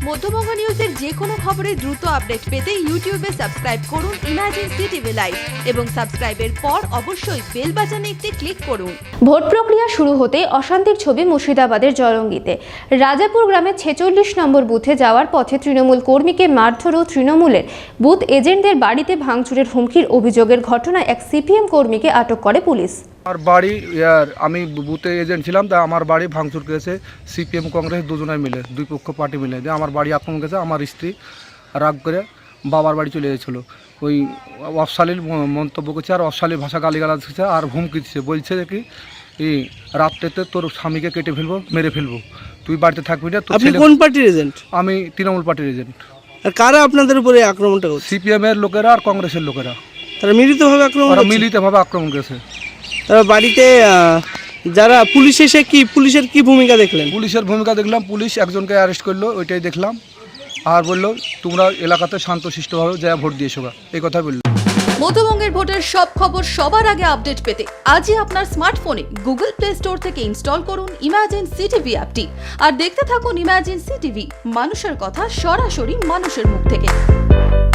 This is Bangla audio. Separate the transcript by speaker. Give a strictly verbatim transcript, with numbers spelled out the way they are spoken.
Speaker 1: মধ্যবঙ্গ নিউজের যে কোনো খবরের দ্রুত আপডেট পেতে ইউটিউবে সাবস্ক্রাইব করুন ইমার্জেন্সি টিভি লাইভ এবং সাবস্ক্রাইবের পর অবশ্যই বেল বাটনে একটি ক্লিক করুন।
Speaker 2: ভোট প্রক্রিয়া শুরু হতে অশান্তির ছবি মুর্শিদাবাদের জলঙ্গিতে। রাজাপুর গ্রামের ছেচল্লিশ নম্বর বুথে যাওয়ার পথে তৃণমূল কর্মীকে মারধর ও তৃণমূলের বুথ এজেন্টদের বাড়িতে ভাঙচুরের হুমকির অভিযোগের ঘটনায় এক সিপিএম কর্মীকে আটক করে পুলিশ।
Speaker 3: আমার বাড়ি ইয়ার আমি বুথে এজেন্ট ছিলাম, তা আমার বাড়ি ভাঙচুর করেছে সিপিএম কংগ্রেস দুজনে মিলে, দুই পক্ষ পার্টি মিলে। দিয়ে আমার বাড়ি আক্রমণ করেছে। আমার স্ত্রী রাগ করে বাবার বাড়ি চলে গেছিলো। ওই অশ্লীল মন্তব্য করছে আর অশ্লীল ভাষা গালিগালাজ দিচ্ছে আর হুমকি দিচ্ছে, বলছে কি এই রাত্রেতে তোর স্বামীকে কেটে ফেলবো, মেরে ফেলবো, তুই বাড়িতে থাকবি না।
Speaker 4: আপনি কোন পার্টির এজেন্ট?
Speaker 3: আমি তৃণমূল পার্টির এজেন্ট।
Speaker 4: আর কারা আপনাদের উপরে আক্রমণটা করছে?
Speaker 3: সিপিএম এর লোকেরা আর কংগ্রেসের লোকেরা,
Speaker 4: তারা মিলিতভাবে আক্রমণ
Speaker 3: তারা
Speaker 4: করছে?
Speaker 3: মিলিতভাবে আক্রমণ করেছে।
Speaker 4: তারা বাড়িতে আহ, যারা পুলিশ এসে কি পুলিশের কি ভূমিকা দেখলেন?
Speaker 3: পুলিশের ভূমিকা দেখলাম, পুলিশ একজনকে অ্যারেস্ট করলো, ওইটাই দেখলাম। আর বললো তোমরা এলাকাতে শান্তশিষ্টভাবে যা ভোট দিয়েছো, এই কথাই বললো।
Speaker 1: মধ্যবঙ্গের ভোটের সব খবর সবার আগে আপডেট পেতে আজই আপনার স্মার্টফোনে গুগল প্লে স্টোর থেকে ইনস্টল করুন ইমার্জেন্সি টিভি অ্যাপটি আর দেখতে থাকুন ইমার্জেন্সি টিভি, মানুষের কথা সরাসরি মানুষের মুখ থেকে।